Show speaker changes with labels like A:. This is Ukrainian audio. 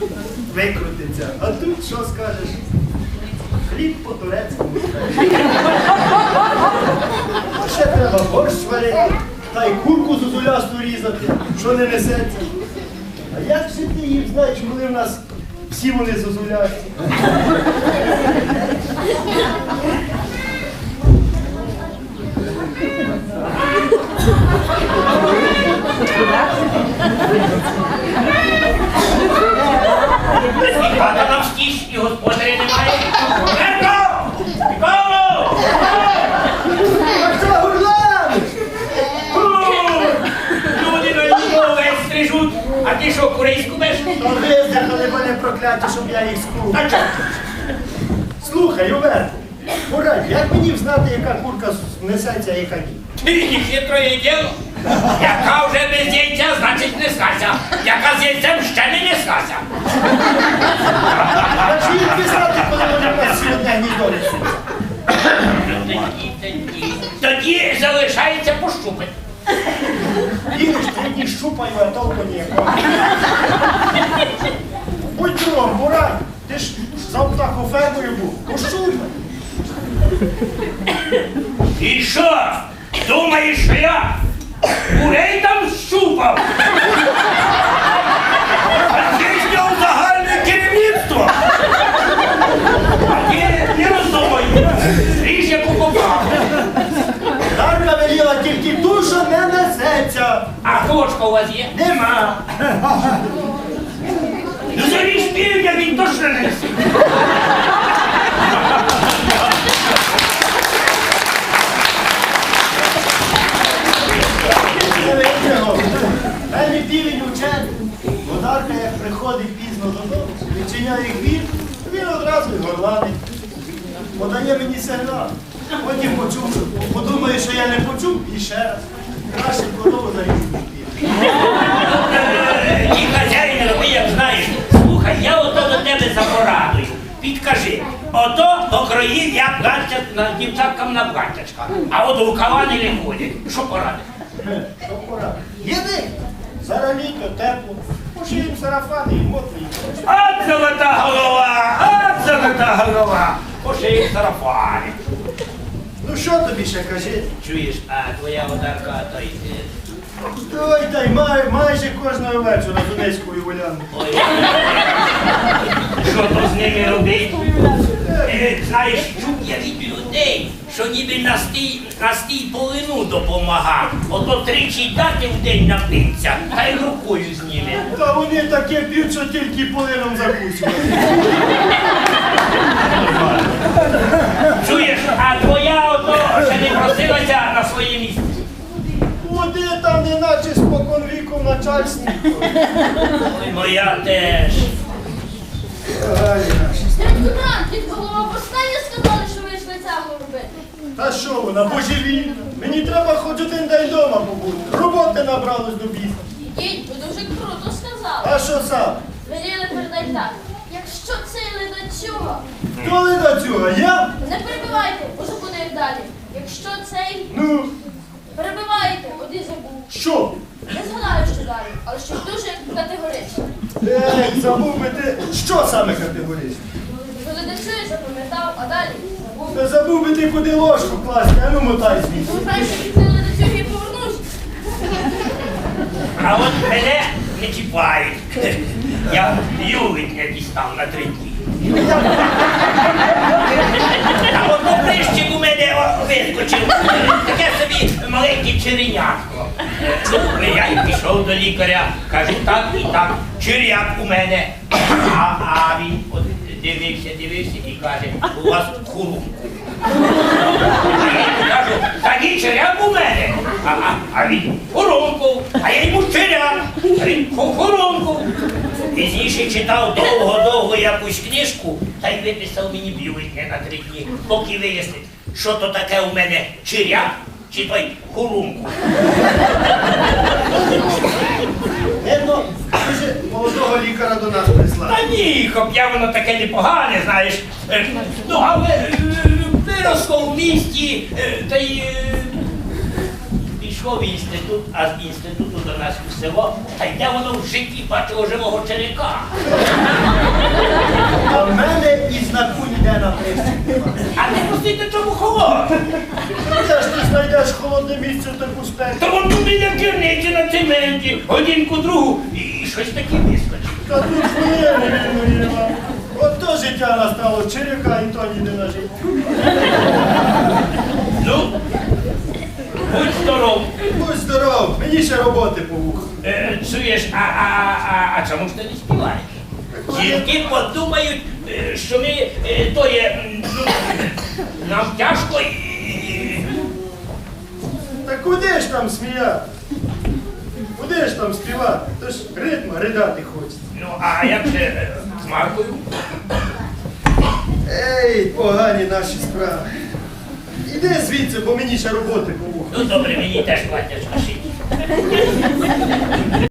A: викрутиться. А тут що скажеш? Хліб по-турецькому. А ще треба борщ варити, та й курку зозулясту різати, що не несеться. А як же ти їх знаєш, коли в нас всі вони зозулясті?
B: Хата нам стіж і господаря немає. Герко! Ніколу!
A: А що, Гурлан?
B: Люди на нього весь стрижуть, а ти що, курей скубеш?
A: То виздихали мене прокляті, щоб я їх скув.
B: А чого?
A: Слухай, Оверко, порадь, як мені взнати, яка курка несеться, а яка ні?
B: Ти хитроє діло. Яка вже без яйця, значить не скася. Яка з яйцем ще не неслася.
A: А чи їх пізнати, коли вони в нас сьогодні гніздо несуться?
B: Тоді залишається пощупати.
A: Їдеш 3 дні щупаю, а толку ніякого. Будь другом, Бурань, ти ж за птахофермою був, пощупай.
B: І що? Думаєш, що я курей там щупав? А ти зняв загальне керівництво. А ти не роздумай. Ріж яку попав.
A: Дарка веліла тільки ту, що не несеться.
B: А кошка у вас є?
A: Нема.
B: Ну заріж півня, він точно не несе.
A: Мене півень учений.Одарка, як приходить пізно додому, відчиняє гвір, він одразу й горланить. Подає мені сигнал. Потім почув, подумає, що я не почув, і ще раз. Краще корову зарізати пів.
B: Ні, хазяїне, роби, як знаєш. Слухай, я ото до тебе за порадою. Підкажи, ото покроїв я дівчаткам на платтячка, а от рукава не ходять. Що порадиш?
A: Що пора? Єди! Зараз літо, тепло. Пошиємо сарафани і мотлі.
B: От золота голова! От золота голова! Пошиємо сарафани.
A: Ну що тобі ще кажи?
B: Чуєш, а твоя одарка, то й...
A: Ой, та й майже кожного вечора з Донецькою гулянку.
B: Ой, що то з ними робить? Знаєш, чув я від людей, що ніби на стій полину допомагав. Ото 3 дати в день напиться, та й рукою зніме.
A: Та вони таке п'ють, що тільки полином закусують.
B: Чуєш, а твоя ото ще не просилася на своє місце?
A: Води там неначе спокон віку в начальстві.
B: Ой, моя теж.
A: Ай, наші.
C: Дядько Дран, від голова повстання сказали, що ви йшли цягу робити.
A: Та що вона, божевільна? Мені треба хоч один день вдома побути. Роботи набралось до біса.
C: Ідіть, ви дуже круто сказали.
A: А що сам?
C: Веліли передать так. Якщо цей ледацюга,
A: Хто лида цього? Я?
C: не перебивайте, уже буде як далі. Якщо цей,
A: Ну,
C: перебивайте, от і забув.
A: що?
C: Не згадаю, що далі, але щось дуже категорично.
A: Ей, забув би ти. Що саме категорично?
C: Ви ледацює запам'ятав, а далі забув.
A: Та забув би ти куди ложку класти, а ну мотай звідси.
C: Краще піти ледацюги і повернусь.
B: А от мене не чіпають. Я юлик не дістав на 3 дні. А от прищик у мене вискочив. Таке собі маленьке черенятко. Ну, я й пішов до лікаря, кажу, так і так, черяк у мене. А він от дивився і каже, у вас хурунку. А я йому кажу, та ні, черяк у мене. А він хурунку, а я йому черяк, а він хурунку. Пізніше читав довго-довго якусь книжку, та й виписав мені бюлетня на 3 дні, поки вияснить, що то таке у мене черяк чи той хурунку.
A: Видно, дуже молодого лікаря до нас прислали.
B: Та ні, хоп'я воно таке непогане, знаєш. Ну, але виросло в місті, та й пішов в інститут, а з інституту до нас в село, та йде воно в житті бачило живого черяка.
A: А в мене і знаку ніде на прищик немає.
B: А не пустити чому холодно.
A: Де ж ти знайдеш холодне місце в таку спеку?
B: Та вон туди на керниці на цементі, годинку другу і щось таке вискочить.
A: Та тут хвилини, Ірина. От то життя настало, черяка і то ніде на життя.
B: Ну, будь здоров.
A: Будь здоров, мені ще роботи по вуху.
B: Чуєш, а чому ж ти не співаєш? Жінки подумають, що ми то є, нам тяжко і...
A: Та куди ж там сміяти? Куди ж там співати? То ж ритма ридати хочеться.
B: Ну, а як же з Маркою?
A: Ей, погані наші справи. Іди звідси, бо мені ще роботи по вуху.
B: Ну, добре, мені теж платять машині.